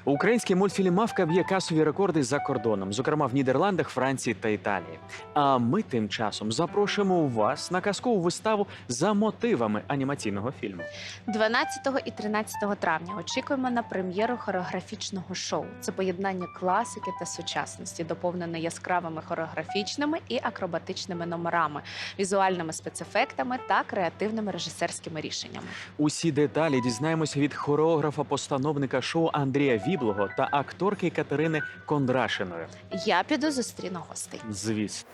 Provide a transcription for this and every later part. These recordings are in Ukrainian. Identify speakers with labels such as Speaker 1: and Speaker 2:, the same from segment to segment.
Speaker 1: Український мультфільм «Мавка» б'є касові рекорди за кордоном, зокрема в Нідерландах, Франції та Італії. А ми тим часом запрошуємо вас на казкову виставу за мотивами анімаційного фільму.
Speaker 2: 12 і 13 травня очікуємо на прем'єру хореографічного шоу. Це поєднання класики та сучасності, доповнене яскравими хореографічними і акробатичними номерами, візуальними спецефектами та креативними режисерськими рішеннями.
Speaker 1: Усі деталі дізнаємося від хореографа-постановника шоу Андрія Віблого та акторки Катерини Кондрашиної.
Speaker 2: Я піду зустріну гостей.
Speaker 1: Звісно.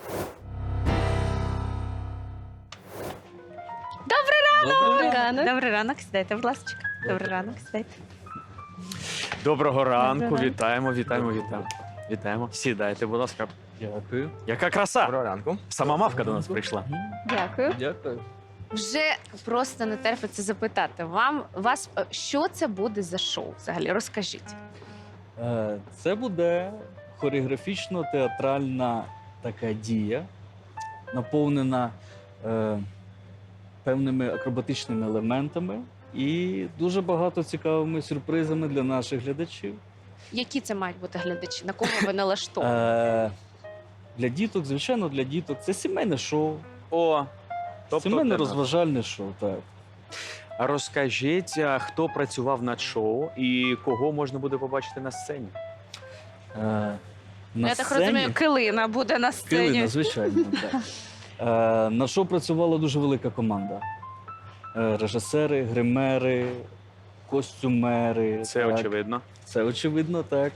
Speaker 2: Добрий ранок. Добрий ранок, сідайте, будь ласка. Добрий ранок, сідайте.
Speaker 1: Доброго ранку,
Speaker 2: Доброго ранку.
Speaker 1: Вітаємо. Сідайте, будь ласка.
Speaker 3: Дякую.
Speaker 1: Яка краса!
Speaker 3: Доброго ранку.
Speaker 1: Сама Мавка до нас прийшла.
Speaker 2: Дякую.
Speaker 3: Дякую.
Speaker 2: Вже просто не терпиться запитати вас, що це буде за шоу взагалі? Розкажіть.
Speaker 3: Це буде хореографічно-театральна така дія, наповнена певними акробатичними елементами і дуже багато цікавими сюрпризами для наших глядачів.
Speaker 2: Які це мають бути глядачі? На кого ви налаштовані?
Speaker 3: Для діток, звичайно, для діток це сімейне шоу,
Speaker 1: О,
Speaker 3: сімейне розважальне шоу. Так.
Speaker 1: А розкажіть, хто працював над шоу і кого можна буде побачити на сцені?
Speaker 2: Я так розумію, Килина буде на сцені.
Speaker 3: Килина, звичайно, так. На шоу працювала дуже велика команда. Режисери, гримери, костюмери.
Speaker 1: Це
Speaker 3: так.
Speaker 1: очевидно.
Speaker 3: Це очевидно, так.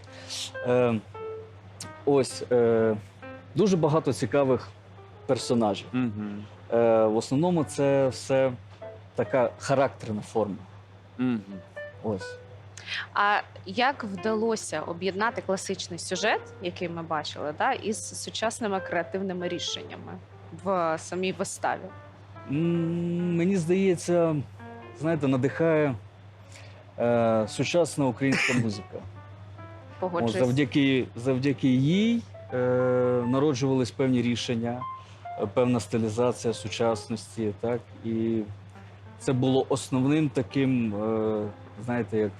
Speaker 3: Дуже багато цікавих персонажів.
Speaker 1: Угу.
Speaker 3: В основному це все така характерна форма.
Speaker 1: Угу.
Speaker 3: Ось.
Speaker 2: А як вдалося об'єднати класичний сюжет, який ми бачили, із сучасними креативними рішеннями в самій виставі?
Speaker 3: Мені здається, знаєте, надихає сучасна українська музика.
Speaker 2: Погоджуюсь.
Speaker 3: Завдяки їй народжувались певні рішення, певна стилізація сучасності. Так? І це було основним таким, знаєте, як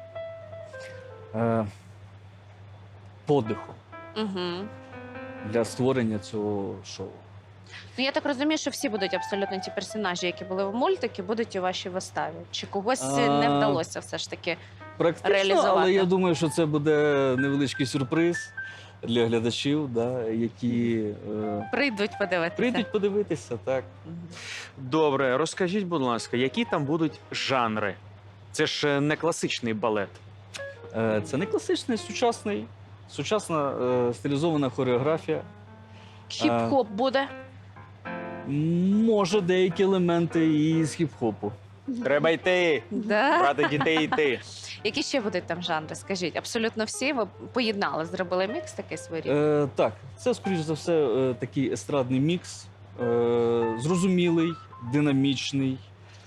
Speaker 3: подихом для створення цього шоу.
Speaker 2: Ну, я так розумію, що всі будуть абсолютно ті персонажі, які були в мультикі, будуть у вашій виставі. Чи когось не вдалося все ж таки
Speaker 3: Практично,
Speaker 2: реалізувати?
Speaker 3: але я думаю, що це буде невеличкий сюрприз для глядачів, які
Speaker 2: прийдуть подивитися?
Speaker 3: прийдуть подивитися. Так.
Speaker 2: Мгм.
Speaker 1: Добре, розкажіть, будь ласка, які там будуть жанри? Це ж не класичний балет.
Speaker 3: Це не класичний, сучасна стилізована хореографія.
Speaker 2: Хіп-хоп буде?
Speaker 3: Може, деякі елементи і з хіп-хопу.
Speaker 1: Треба йти,
Speaker 2: Да.
Speaker 1: брати дітей йти.
Speaker 2: Які ще будуть там жанри? Скажіть, абсолютно всі ви поєднали, зробили мікс такий своєрідний?
Speaker 3: Так, це, скоріш за все, такий естрадний мікс, зрозумілий, динамічний,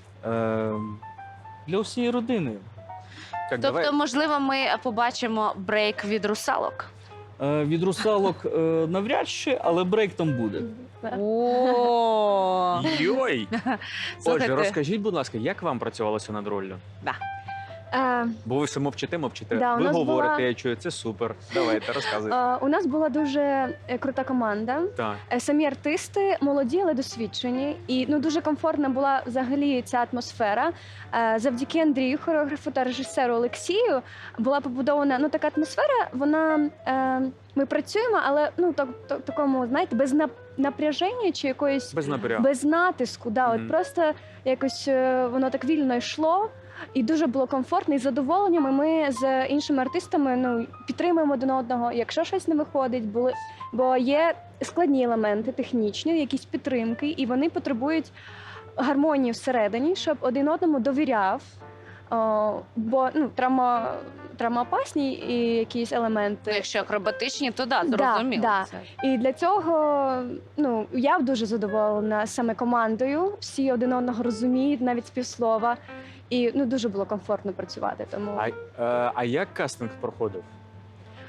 Speaker 3: для всієї родини.
Speaker 1: Так,
Speaker 2: Тобто, можливо, ми побачимо брейк від русалок?
Speaker 3: Від русалок навряд чи, але брейк там буде.
Speaker 2: О,
Speaker 1: Йой! Отже,
Speaker 2: слухайте,
Speaker 1: розкажіть, будь ласка, як вам працювалося над роллю? Бо ви все мовчите.
Speaker 4: Да, у
Speaker 1: Ви
Speaker 4: нас
Speaker 1: говорите,
Speaker 4: була-
Speaker 1: я чую, це супер. Давайте, розказуйте.
Speaker 4: У нас була дуже крута команда.
Speaker 1: Так.
Speaker 4: Самі артисти молоді, але досвідчені. І дуже комфортна була взагалі ця атмосфера. Завдяки Андрію, хореографу та режисеру Олексію, була побудована така атмосфера. Ми працюємо, але такому, знаєте, без напряження чи якоїсь
Speaker 1: Без напрягу.
Speaker 4: без натиску.
Speaker 1: Мгм.
Speaker 4: От просто якось воно так вільно йшло. І дуже було комфортно і з задоволенням. І ми з іншими артистами підтримуємо один одного, якщо щось не виходить, бо є складні елементи, технічні, якісь підтримки, і вони потребують гармонії всередині, щоб один одному довіряв. Бо травмоопасні і якісь елементи.
Speaker 2: якщо акробатичні, то да,
Speaker 4: Да,
Speaker 2: зрозуміло.
Speaker 4: да.
Speaker 2: Це.
Speaker 4: І для цього я дуже задоволена саме командою. Всі один одного розуміють, навіть співслова. І дуже було комфортно працювати. Тому
Speaker 1: А як кастинг проходив?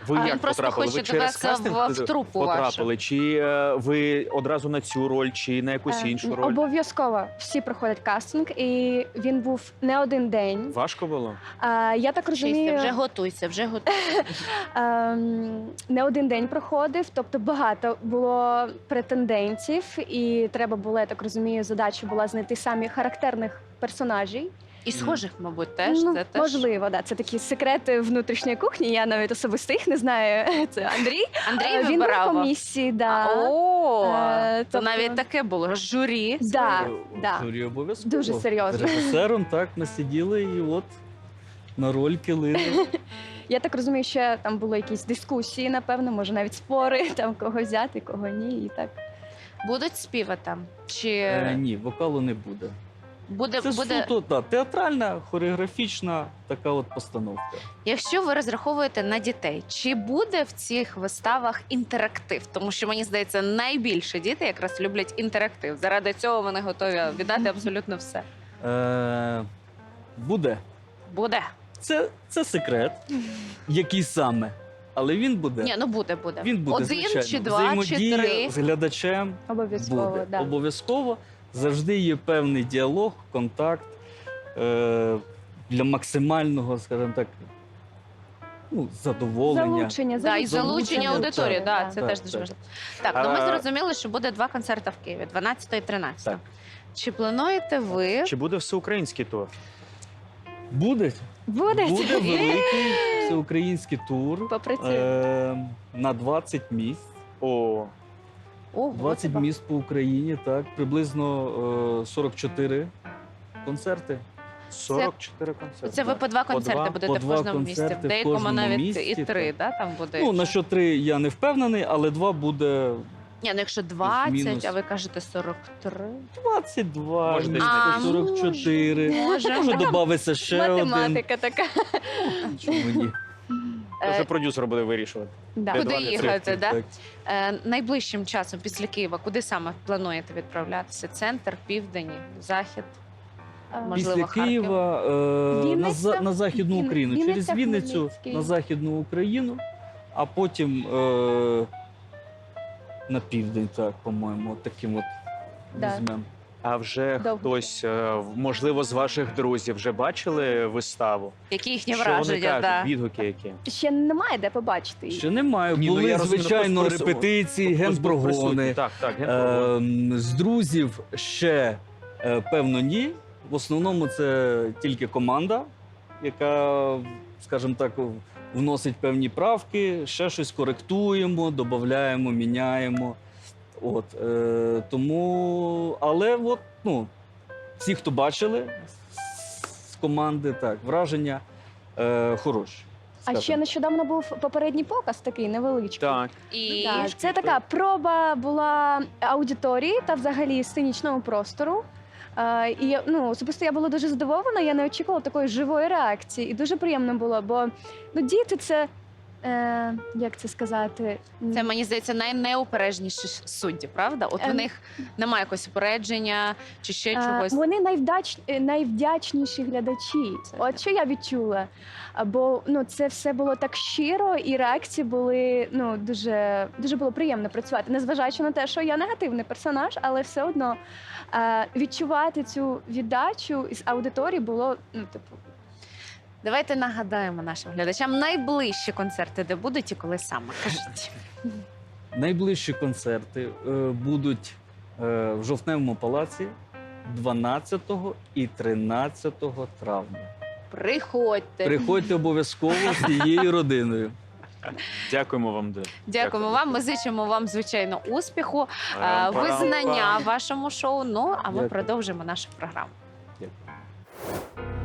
Speaker 1: Ви
Speaker 2: Він
Speaker 1: як
Speaker 2: просто
Speaker 1: потрапили?
Speaker 2: хоче
Speaker 1: Ви через
Speaker 2: тебе
Speaker 1: кастинг
Speaker 2: в трупу вашу.
Speaker 1: потрапили? Чи ви одразу на цю роль, чи на якусь іншу роль?
Speaker 4: Обов'язково всі проходять кастинг, і він був не один день.
Speaker 1: Важко було?
Speaker 4: Я так
Speaker 2: Вчися,
Speaker 4: розумію,
Speaker 2: вже готуйся, вже готуйся.
Speaker 4: не один день проходив, тобто багато було претендентів, і треба було, я так розумію, задача була знайти самі характерних персонажів.
Speaker 2: І схожих, мабуть, теж.
Speaker 4: Ну,
Speaker 2: Це теж.
Speaker 4: можливо, да. Це такі секрети внутрішньої кухні. Я навіть особисто їх не знаю. Це Андрій.
Speaker 2: Андрій
Speaker 4: Він був
Speaker 2: вибирав.
Speaker 4: в комісії, да.
Speaker 2: О, то
Speaker 4: тобто-
Speaker 2: навіть таке було. Журі.
Speaker 4: Да, да.
Speaker 3: Журі обов'язково.
Speaker 4: Дуже серйозно.
Speaker 3: З режисером так ми сиділи і от на роль килили.
Speaker 4: Я так розумію, що там були якісь дискусії, напевно, може навіть спори, там кого взяти, кого ні. І так.
Speaker 2: Будуть співи там? Чи
Speaker 3: Ні, вокалу не буде.
Speaker 2: буде,
Speaker 3: Це суто театральна, хореографічна така от постановка.
Speaker 2: Якщо ви розраховуєте на дітей, чи буде в цих виставах інтерактив? Тому що мені здається, найбільше діти якраз люблять інтерактив. Заради цього вони готові віддати абсолютно все.
Speaker 3: Буде.
Speaker 2: Буде.
Speaker 3: Це секрет, який саме. Але він буде.
Speaker 2: Ні, ну буде.
Speaker 3: Він буде,
Speaker 2: Один
Speaker 3: звичайно.
Speaker 2: чи два, чи
Speaker 3: Взаємодія
Speaker 2: три.
Speaker 3: з глядачем
Speaker 4: Обов'язково,
Speaker 3: буде.
Speaker 4: да.
Speaker 3: Обов'язково. Завжди є певний діалог, контакт для максимального, скажімо так, задоволення.
Speaker 4: Залучення,
Speaker 2: Да, і
Speaker 3: залучення
Speaker 2: залучення аудиторії,
Speaker 3: так,
Speaker 2: да, це
Speaker 3: так,
Speaker 2: теж дуже
Speaker 3: так.
Speaker 2: важливо. Так, ну ми
Speaker 1: А-
Speaker 2: зрозуміли, що буде 2 концерти в Києві, 12 і 13.
Speaker 3: Так.
Speaker 2: Чи плануєте ви?
Speaker 1: Чи буде всеукраїнський тур?
Speaker 3: Буде
Speaker 4: Буде.
Speaker 3: великий всеукраїнський тур
Speaker 4: Попрацюємо.
Speaker 3: на 20 місць.
Speaker 1: О,
Speaker 2: Ого,
Speaker 3: 20
Speaker 2: це
Speaker 3: міст по Україні, так, приблизно 44 концерти.
Speaker 1: 44 концерти.
Speaker 2: Це ви по 2 концерти
Speaker 1: два-
Speaker 2: будете
Speaker 3: по
Speaker 2: в
Speaker 3: два
Speaker 2: кожному місці. В
Speaker 3: концерти в
Speaker 2: деякому
Speaker 3: кожному
Speaker 2: навіть
Speaker 3: місті,
Speaker 2: і 3,
Speaker 3: так.
Speaker 2: да, там буде.
Speaker 3: Ну, на що 3 я не впевнений, але 2 буде
Speaker 2: Ні, ну якщо 20,
Speaker 3: Плюс-мінус.
Speaker 2: а ви кажете 43.
Speaker 3: 22,
Speaker 1: Може, десь
Speaker 2: А,
Speaker 3: 44.
Speaker 2: Може.
Speaker 3: Може, додавиться ще один.
Speaker 4: Математика така.
Speaker 3: Чому ні?
Speaker 1: Це вже
Speaker 2: Е,
Speaker 1: продюсер буде вирішувати.
Speaker 4: Да.
Speaker 1: Де
Speaker 2: Куди
Speaker 1: 20
Speaker 2: їхати, да?
Speaker 3: Так.
Speaker 2: Найближчим часом після Києва, куди саме плануєте відправлятися? Центр, південь, захід? Можливо,
Speaker 3: Після
Speaker 2: Харків?
Speaker 3: Києва
Speaker 4: Вінниця?
Speaker 3: на Західну
Speaker 4: Він-
Speaker 3: Україну.
Speaker 4: Вінниця,
Speaker 3: Через Вінницю
Speaker 4: Хмельницький.
Speaker 3: на Західну Україну, а потім на південь, так, по-моєму, от таким от
Speaker 4: Да.
Speaker 3: візьмемо.
Speaker 1: А вже
Speaker 4: Довго.
Speaker 1: хтось, можливо, з ваших друзів вже бачили виставу?
Speaker 2: Які їхні
Speaker 1: Що вони
Speaker 2: враження?
Speaker 1: кажуть?
Speaker 2: Да.
Speaker 1: Відгуки які?
Speaker 4: Ще немає де побачити її.
Speaker 3: Ще немає.
Speaker 1: Ні, ну,
Speaker 3: Були,
Speaker 1: я розумію,
Speaker 3: звичайно,
Speaker 1: просто
Speaker 3: репетиції,
Speaker 1: Хтось був присутній.
Speaker 3: генпрогони.
Speaker 1: Так, генпрогони.
Speaker 3: З друзів ще, певно, ні. В основному це тільки команда, яка, скажімо так, вносить певні правки, ще щось коректуємо, додаємо, міняємо. От, тому, але от, ну, всі, хто бачили з команди, так, враження хороші.
Speaker 4: А
Speaker 3: скажімо.
Speaker 4: ще нещодавно був попередній показ такий невеличкий.
Speaker 1: Так.
Speaker 2: І
Speaker 4: Да, це така проба була аудиторії та взагалі сценічного простору. І особисто я була дуже задоволена, я не очікувала такої живої реакції. І дуже приємно було, бо діти це, як це сказати?
Speaker 2: це, мені здається, найнеупереджніші судді, правда? От в
Speaker 4: Ем.
Speaker 2: них немає якогось упередження чи ще чогось.
Speaker 4: Вони найвдячніші глядачі.
Speaker 2: Це
Speaker 4: От що я відчула. Бо це все було так щиро, і реакції були дуже, дуже було приємно працювати. Незважаючи на те, що я негативний персонаж, але все одно відчувати цю віддачу із аудиторії було
Speaker 2: Давайте нагадаємо нашим глядачам найближчі концерти, де будуть і коли саме. Кажіть.
Speaker 3: Найближчі концерти будуть в Жовтневому палаці 12 і 13 травня.
Speaker 2: Приходьте.
Speaker 3: Приходьте обов'язково з цією родиною.
Speaker 1: Дякуємо вам дуже.
Speaker 2: Дякуємо вам. Ми зичимо вам, звичайно, успіху,
Speaker 1: Парам-парам-пам.
Speaker 2: визнання вашому шоу. Ну а ми
Speaker 3: Дякую.
Speaker 2: продовжимо нашу програму.
Speaker 3: Дякую.